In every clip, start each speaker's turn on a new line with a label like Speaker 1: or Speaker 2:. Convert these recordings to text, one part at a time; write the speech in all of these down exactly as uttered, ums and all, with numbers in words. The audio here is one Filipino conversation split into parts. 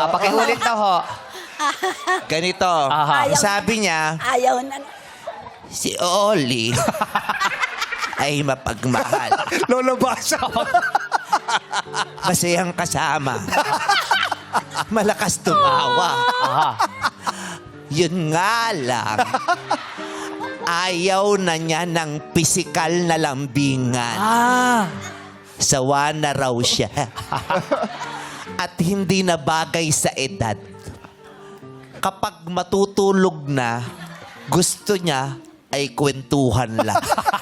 Speaker 1: Ah, pakiulit na ho.
Speaker 2: Ganito.
Speaker 1: Aha.
Speaker 2: Sabi niya,
Speaker 3: Ayaw na.
Speaker 2: si Oli ay mapagmahal.
Speaker 4: Lolo Basha.
Speaker 2: Masayang kasama. Malakas tumawa.
Speaker 1: Aha.
Speaker 2: Yun nga lang. Ayaw na niya ng pisikal na lambingan.
Speaker 1: Ah.
Speaker 2: Sawa na raw siya. At hindi na bagay sa edad. Kapag matutulog na, gusto niya ay kwentuhan lang.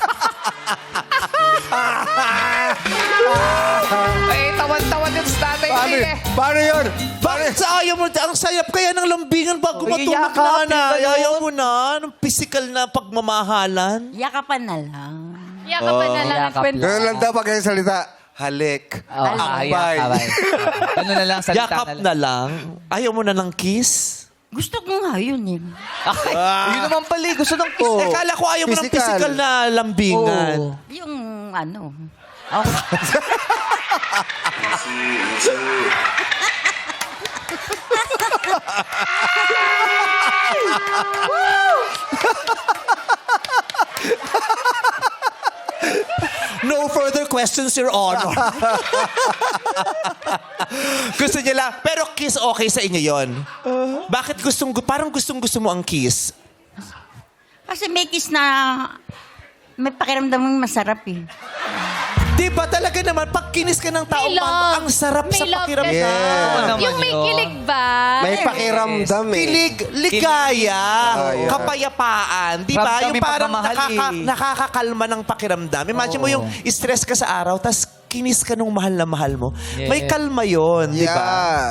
Speaker 1: Ay, tawan-tawan yung tatay
Speaker 4: Paano,
Speaker 1: Ray
Speaker 4: yun?
Speaker 1: eh.
Speaker 4: Paano yun?
Speaker 2: Bakit sa ayaw mo? Ang sayap kaya ng lambingan bago
Speaker 1: Uy,
Speaker 2: matulog na
Speaker 1: yakapin
Speaker 2: na.
Speaker 1: ka nun.
Speaker 2: Ayaw mo na ng physical na pagmamahalan.
Speaker 3: Yakapan na lang.
Speaker 5: Yakapan na lang ang
Speaker 1: yakap
Speaker 5: kwento.
Speaker 4: Ganun lang daw pag yung salita. Halik.
Speaker 1: Oh,
Speaker 4: Akbay.
Speaker 1: akbay. Ano na lang, salita
Speaker 2: Yakap
Speaker 1: na lang.
Speaker 2: na lang. Ayaw mo na ng kiss.
Speaker 3: Gusto ko nga yun eh.
Speaker 1: Ay, yun naman pala, eh. gusto ng kiss.
Speaker 4: Oh.
Speaker 2: Eh, kala ko ayaw mo ng
Speaker 4: Physical.
Speaker 2: physical na lambingan.
Speaker 1: Oo.
Speaker 3: Yung ano.
Speaker 2: No further questions, Your Honor. Gusto niya lang. Pero kiss okay sa inyo yon. Bakit gustong, parang gustong gusto mo ang kiss?
Speaker 3: Kasi may kiss na may pakiramdam mong masarap eh.
Speaker 2: Di ba talaga naman, pag kinis ka ng tao,
Speaker 5: May love.
Speaker 2: ang sarap
Speaker 5: May
Speaker 2: sa
Speaker 5: love
Speaker 2: pakiramdam.
Speaker 5: ka
Speaker 4: Yeah.
Speaker 1: Oo naman
Speaker 5: Yung may
Speaker 1: yun.
Speaker 5: kilig ba?
Speaker 4: May pakiramdam eh.
Speaker 2: Kilig, ligaya,
Speaker 4: Ligaya.
Speaker 2: kapayapaan. Di ba?
Speaker 1: Ramdam
Speaker 2: Yung
Speaker 1: yung
Speaker 2: parang
Speaker 1: pagmamahal
Speaker 2: nakaka,
Speaker 1: eh.
Speaker 2: nakakakalma ng pakiramdam. Imagine mo
Speaker 1: Oo.
Speaker 2: yung stress ka sa araw, tas kinis ka nung mahal na mahal mo.
Speaker 1: Yeah.
Speaker 2: May kalma yun, di ba?
Speaker 4: Yeah.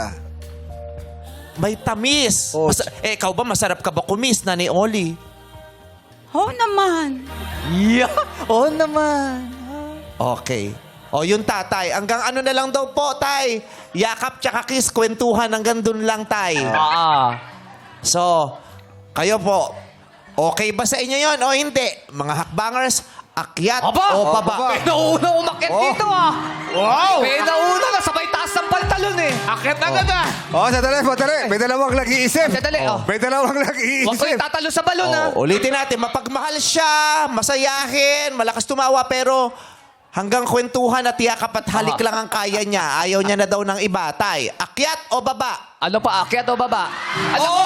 Speaker 2: May tamis.
Speaker 4: Oh.
Speaker 2: Masa- eh, ikaw ba, masarap ka ba kumis, Nanay Oli?
Speaker 3: Oo naman.
Speaker 1: Yeah. Oo naman.
Speaker 2: Okay. O, yung tatay. Hanggang ano na lang daw po, tay. Yakap tsaka kiss, kwentuhan. Hanggang dun lang, tay.
Speaker 1: Ah.
Speaker 2: So, kayo po, okay ba sa inyo yon o hindi? Mga hakbangers, akyat
Speaker 1: Aba!
Speaker 2: o baba?
Speaker 4: baba.
Speaker 1: May nauna umakit
Speaker 4: Oh.
Speaker 1: dito ah.
Speaker 2: Wow!
Speaker 1: May nauna na sabay taas ng pantalon eh. Akit na agad ah.
Speaker 4: Oh, sandali, sandali. May dalawang nag-iisip.
Speaker 1: Sandali, oh.
Speaker 4: May dalawang
Speaker 1: Huwag ko
Speaker 4: nag-iisip.
Speaker 1: yung tatalo sa balon ah.
Speaker 2: O, ulitin natin, mapagmahal siya, masayahin, malakas tumawa, pero hanggang kwentuhan at yakap at halik
Speaker 1: Aha.
Speaker 2: lang ang kaya niya. Ayaw niya na daw ng iba. Tay, akyat o baba?
Speaker 1: Ano pa, akyat o baba? Ano
Speaker 2: Oh!
Speaker 1: ko?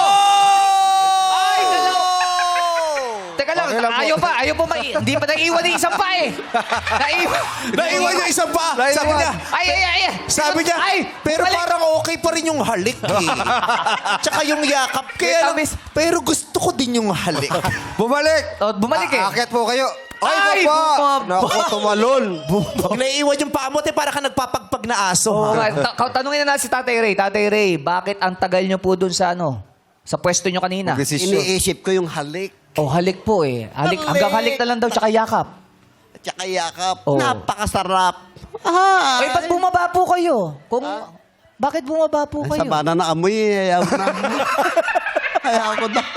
Speaker 1: Ay, dalawa. Teka lang,
Speaker 4: Okay lang po.
Speaker 1: ayaw pa, ayaw po mai... Hindi pa naiwan yung isang pa eh. Naiwan.
Speaker 2: Naiwan niya isang pa.
Speaker 4: Naiwan.
Speaker 2: Sabi niya,
Speaker 1: Ay, ay, ay. ay.
Speaker 2: sabi niya,
Speaker 1: Ay,
Speaker 2: pero
Speaker 1: bumalik.
Speaker 2: parang okay pa rin yung halik eh. Tsaka yung yakap. Kaya lang,
Speaker 1: tamis.
Speaker 2: pero gusto ko din yung halik.
Speaker 4: Bumalik.
Speaker 1: Oh, bumalik eh.
Speaker 4: Aakyat po kayo.
Speaker 1: Ay,
Speaker 4: Ay, baba.
Speaker 1: bumaba.
Speaker 4: Naku, tumalon.
Speaker 2: Pag naiiwan yung paa mo, te, para ka nagpapagpag na aso.
Speaker 1: Oo
Speaker 2: ha?
Speaker 1: nga. Ta- ka- tanungin na natin si Tatay Ray. Tatay Ray, bakit ang tagal niyo po dun sa ano? Sa pwesto niyo kanina?
Speaker 4: Desisyon.
Speaker 6: Iniisip ko yung halik
Speaker 1: Oh, halik po eh. Halik,
Speaker 6: Halik.
Speaker 1: hanggang halik na lang daw, tsaka yakap.
Speaker 6: at saka yakap.
Speaker 1: Oh.
Speaker 6: Napakasarap. Ah,
Speaker 1: Ay, ba't bumaba po kayo? Kung, bakit bumaba po
Speaker 6: Ay,
Speaker 1: kayo?
Speaker 6: sama na na amoy. eh. Ayaw ko na. Ayaw ko na.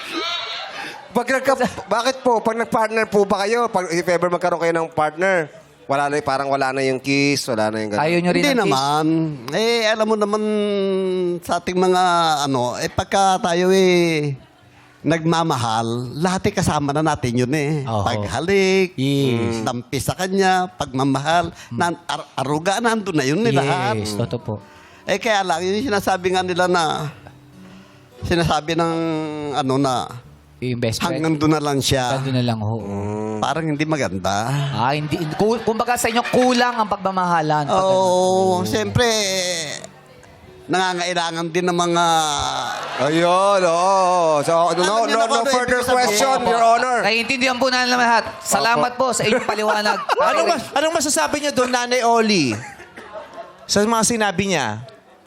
Speaker 4: Pag nagka, bakit po? Pag nag-partner po ba kayo? Pag if ever magkaroon kayo ng partner, wala na, parang wala na yung kiss, wala na yung gano'n.
Speaker 1: Ayaw nyo rin
Speaker 6: Hindi
Speaker 1: ng kiss?
Speaker 6: naman. Eh, alam mo naman sa ating mga ano, eh pagka tayo eh nagmamahal, lahat eh kasama na natin yun eh.
Speaker 1: Oo.
Speaker 6: Paghalik,
Speaker 1: Yes.
Speaker 6: tampi sa kanya, pagmamahal, nan, ar- aruga, nandun na yun eh lahat.
Speaker 1: Yes, totoo po.
Speaker 6: Eh kaya lang, yung sinasabi nga nila na, sinasabi ng ano na,
Speaker 1: Yung best friend.
Speaker 6: hanggang doon na lang siya.
Speaker 1: Hanggang doon na lang ho.
Speaker 6: Parang hindi maganda.
Speaker 1: Ah, hindi. ku- Kumbaga sa inyo, kulang ang pagmamahalan. Pag-
Speaker 6: Oo, siyempre, nangangailangan din ng mga...
Speaker 4: Ayun, oo. So, no, no,
Speaker 6: Alam niyo
Speaker 4: no,
Speaker 6: na kung
Speaker 4: no
Speaker 6: ano
Speaker 4: further
Speaker 6: ibig sabihin.
Speaker 4: question, Your Honor.
Speaker 1: Naiintindihan po namin lahat. Salamat po sa inyong paliwanag.
Speaker 2: Anong, mas, anong masasabi niyo doon, Nanay Oli? Sa mga sinabi niya?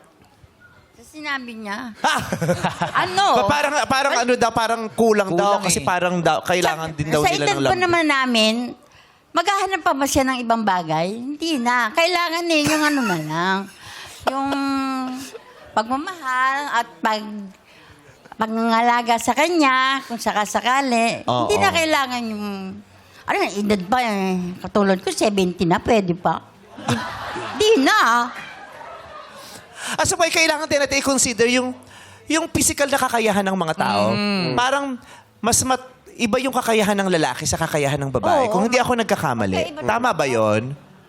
Speaker 3: Sa sinabi niya.
Speaker 2: Ha?
Speaker 3: Ano?
Speaker 2: Pa- parang, parang ano daw, parang kulang, daw.
Speaker 1: Kulang
Speaker 2: Kasi
Speaker 1: eh.
Speaker 2: parang daw, kailangan din daw
Speaker 3: sa
Speaker 2: nila
Speaker 3: edad
Speaker 2: ng
Speaker 3: pa
Speaker 2: lambing.
Speaker 3: naman namin, maghahanap pa ba siya ng ibang bagay? Hindi na. Kailangan eh, yung ano na lang. Yung pagmamahal at pag pangangalaga sa kanya, kung sakasakali.
Speaker 2: Oo.
Speaker 3: Hindi na kailangan yung... Ano na, edad pa eh. Katulad ko, seventy na, pwede pa. Di, di na.
Speaker 2: As a boy, kailangan din natin i-consider yung, yung physical na kakayahan ng mga tao. Parang mas mat, iba yung kakayahan ng lalaki sa kakayahan ng babae.
Speaker 3: Oo.
Speaker 2: Kung hindi ako nagkakamali. Tama ba yon?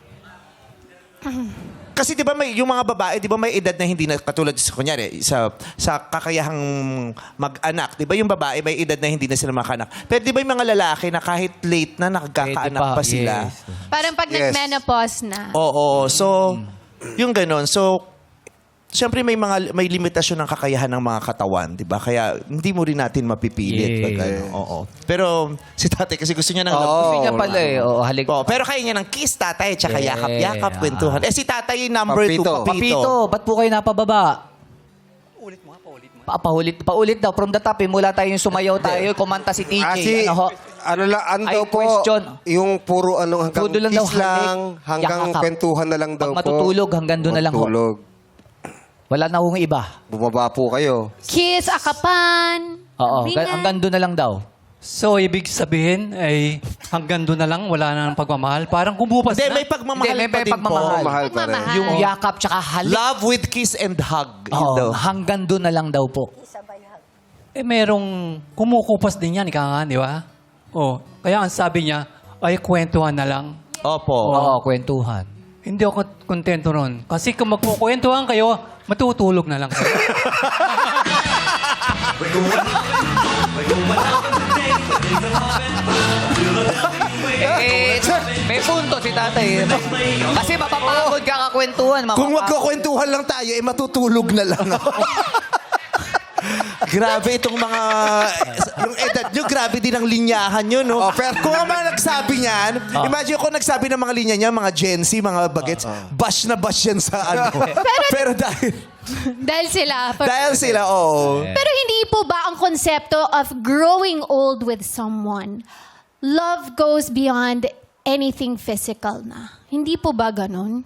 Speaker 2: Kasi 'di ba may yung mga babae, 'di ba may edad na hindi na katulad sa kunyari sa sa kakayahang mag-anak, 'di ba yung babae may edad na hindi na sila makanak. Pero 'di ba yung mga lalaki na kahit late na nakakaanak
Speaker 1: Pwede pa,
Speaker 2: pa sila.
Speaker 1: yes.
Speaker 5: Parang pag
Speaker 4: Yes.
Speaker 5: nag-menopause na.
Speaker 2: Oo, so yung ganon. So siyempre may mga may limitasyon ng kakayahan ng mga katawan, 'di ba? Kaya hindi mo rin natin mapipilit
Speaker 1: Yes.
Speaker 2: pag ano. Oo. Pero si tatay kasi gusto niya ng love.
Speaker 1: Gusto niya pala eh. Oo, halik.
Speaker 2: Oo, pero kaya niya ng kiss, tatay, tsaka
Speaker 1: Yeah.
Speaker 2: yakap-yakap, kwentuhan. Eh si tatay number two,
Speaker 4: Papito.
Speaker 2: papito.
Speaker 1: Papito, ba't po kayo napababa? Ulit mo, paulit mo. Pa, paulit, paulit daw. From the top, eh, mula tayo yung sumayaw tayo, kumanta si T J.
Speaker 4: Ah, si,
Speaker 1: ano ho?
Speaker 4: ano lang, ano
Speaker 1: Ay,
Speaker 4: daw po,
Speaker 1: question.
Speaker 4: yung puro ano, hanggang
Speaker 1: Puro lang daw,
Speaker 4: kiss lang,
Speaker 1: halik,
Speaker 4: hanggang
Speaker 1: yakap.
Speaker 4: kwentuhan na lang daw
Speaker 1: Pag
Speaker 4: po.
Speaker 1: matutulog, hanggang doon na lang ho.
Speaker 4: Matulog.
Speaker 1: Wala na hong iba.
Speaker 4: Bumaba po kayo.
Speaker 5: Kiss, akapan.
Speaker 1: Oo,
Speaker 5: Ringan.
Speaker 1: hanggang doon na lang daw.
Speaker 7: So, ibig sabihin ay hanggang doon na lang, wala na ng pagmamahal. Parang kumupas
Speaker 2: Hindi,
Speaker 7: na.
Speaker 2: may pagmamahal
Speaker 1: Hindi, may
Speaker 2: pa din
Speaker 1: pagmamahal.
Speaker 2: po.
Speaker 4: Mahal pa rin.
Speaker 5: Pagmamahal.
Speaker 1: Yung yakap tsaka halik.
Speaker 2: Love with kiss and hug. Yun
Speaker 1: Oo,
Speaker 2: daw.
Speaker 1: hanggang doon na lang daw po.
Speaker 7: Eh, merong kumukupas din yan, ika nga, di ba? Oh, kaya ang sabi niya, ay kwentuhan na lang.
Speaker 2: Opo.
Speaker 1: Oo, kwentuhan.
Speaker 7: Hindi ako kontento ron. Kasi kung magkukwentuhan kayo, matutulog na lang kayo.
Speaker 1: Eh, may punto si tatay. Kasi mapapagod ka kakwentuhan.
Speaker 2: Kung
Speaker 1: mapapagod.
Speaker 2: magkakwentuhan lang tayo, eh matutulog na lang ako. Grabe itong mga... Yung edad nyo, grabe din ang linyahan nyo, no? pero kung ang mga nagsabi niyan, imagine kung nagsabi ng mga linya niya, mga Gen Z, mga bagets, bash na bash yan sa ano. pero dahil,
Speaker 5: Dahil sila. for-
Speaker 2: dahil sila, oo.
Speaker 5: Pero hindi po ba ang konsepto of growing old with someone, love goes beyond anything physical na? Hindi po ba ganun?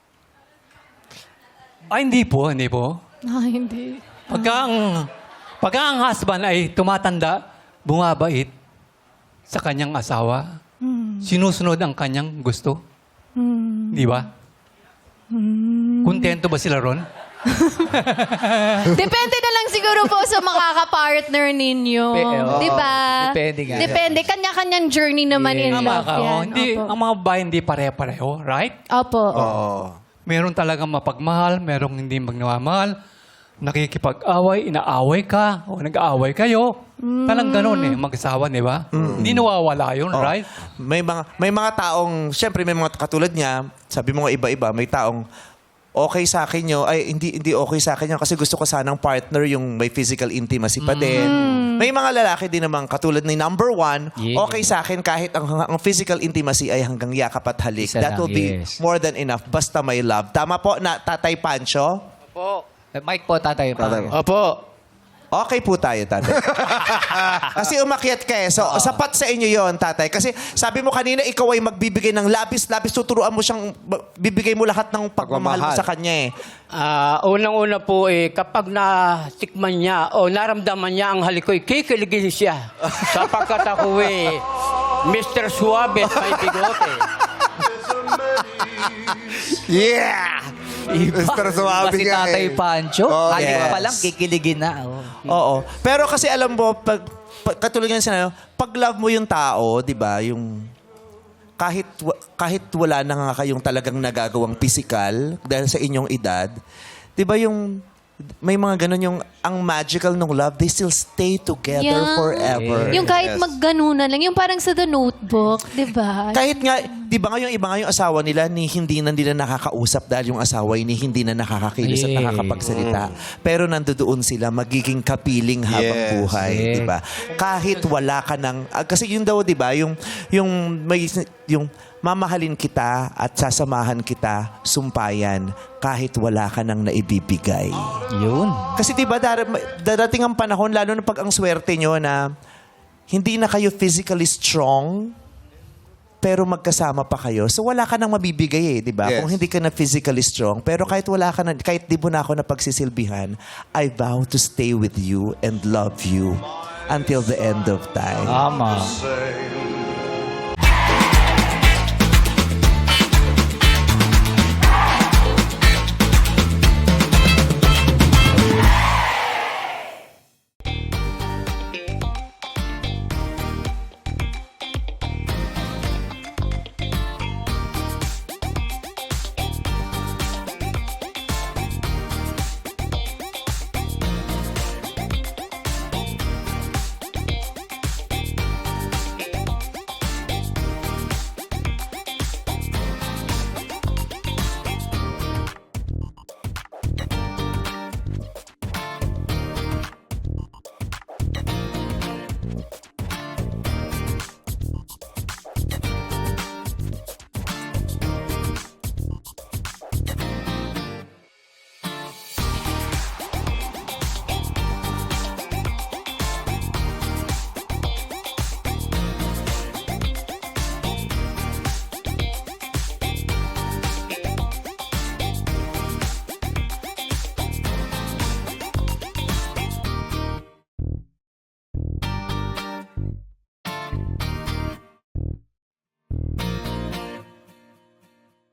Speaker 7: Ay, hindi po, hindi po.
Speaker 5: Ah, hindi.
Speaker 7: Pagka ang, pagka ang husband ay tumatanda, bumabait sa kanyang asawa, sinusunod ang kanyang gusto. Di ba? Kontento ba sila ron?
Speaker 5: Depende na lang siguro po sa makaka-partner ninyo.
Speaker 1: Pe- oo.
Speaker 5: Di ba?
Speaker 1: Depende nga.
Speaker 5: Depende. Kanya-kanyang journey naman in
Speaker 7: Tama
Speaker 5: love
Speaker 7: ka.
Speaker 5: yan.
Speaker 7: oh. Hindi,
Speaker 5: Opo.
Speaker 7: ang mga babae hindi pare-pareho, right?
Speaker 5: Opo.
Speaker 7: Meron talagang mapagmahal, merong hindi magmamahal, nakikipag-away, inaaway ka, o nag-aaway kayo. Talang ganun eh, mag-asawa, di ba? Hindi nawawala yun,
Speaker 2: Oh.
Speaker 7: right?
Speaker 2: May mga may mga taong, syempre may mga katulad niya, sabi mo nga iba-iba, may taong okay sa akin nyo, ay hindi hindi okay sa akin yun kasi gusto ko sanang partner yung may physical intimacy pa din. May mga lalaki din naman katulad ni number one,
Speaker 1: Yeah.
Speaker 2: okay sa akin kahit ang, ang physical intimacy ay hanggang yakap at halik.
Speaker 1: Isa
Speaker 2: That
Speaker 1: lang,
Speaker 2: will be
Speaker 1: yes.
Speaker 2: more than enough basta may love. Tama po na Tatay Pancho?
Speaker 1: Eh, Mike po, tatay.
Speaker 4: Tatay.
Speaker 1: Opo.
Speaker 2: Okay po tayo, tatay. Kasi umakyat ka eh. So, sapat sa inyo yon tatay. Kasi sabi mo kanina, ikaw ay magbibigay ng labis-labis. Tuturuan mo siyang, bibigay mo lahat ng pagmamahal mo
Speaker 4: Pagmamahal.
Speaker 2: sa kanya eh.
Speaker 8: Ah, unang-una po eh, kapag natikman niya o naramdaman niya ang halikoy, kikiligin siya. Sapagkat ako eh, Mister Suave at may bigote.
Speaker 4: Yeah! Mister Suave
Speaker 1: Si
Speaker 4: nga
Speaker 1: tatay
Speaker 4: eh.
Speaker 1: Pancho.
Speaker 4: Oh,
Speaker 1: halik
Speaker 2: yes.
Speaker 1: pa lang, kikiligin na. Oh.
Speaker 2: Oo. Pero kasi alam mo, pag, pag katulad nga sinabi, pag love mo yung tao, di ba, yung kahit wa- kahit wala na nga kayong talagang nagagawang physical dahil sa inyong edad, di ba yung may mga ganun yung ang magical ng love, they still stay together
Speaker 5: Yeah.
Speaker 2: forever.
Speaker 5: Yung kahit
Speaker 4: Yes.
Speaker 5: magganunan lang, yung parang sa The Notebook, di ba?
Speaker 2: Kahit nga, di ba nga yung iba nga yung asawa nila ni hindi na nila nakakausap dahil yung asawa ni hindi na nakakakilos at
Speaker 1: Yeah.
Speaker 2: nakakapagsalita. Pero nandoon sila, magiging kapiling habang
Speaker 4: Yes.
Speaker 2: buhay,
Speaker 1: Yeah.
Speaker 2: di ba? Kahit wala ka ng, ah, kasi yun daw, di ba, yung, yung, may, yung mamahalin kita at sasamahan kita, sumpayan, kahit wala ka nang naibibigay.
Speaker 1: Yun.
Speaker 2: Kasi di ba dar- darating ang panahon, lalo na pag ang swerte nyo na hindi na kayo physically strong, pero magkasama pa kayo. So wala ka nang mabibigay eh, di ba?
Speaker 4: Yes.
Speaker 2: Kung hindi ka na physically strong, pero kahit wala ka na, kahit di mo na ako napagsisilbihan, I vow to stay with you and love you until the end of time.
Speaker 1: Tama.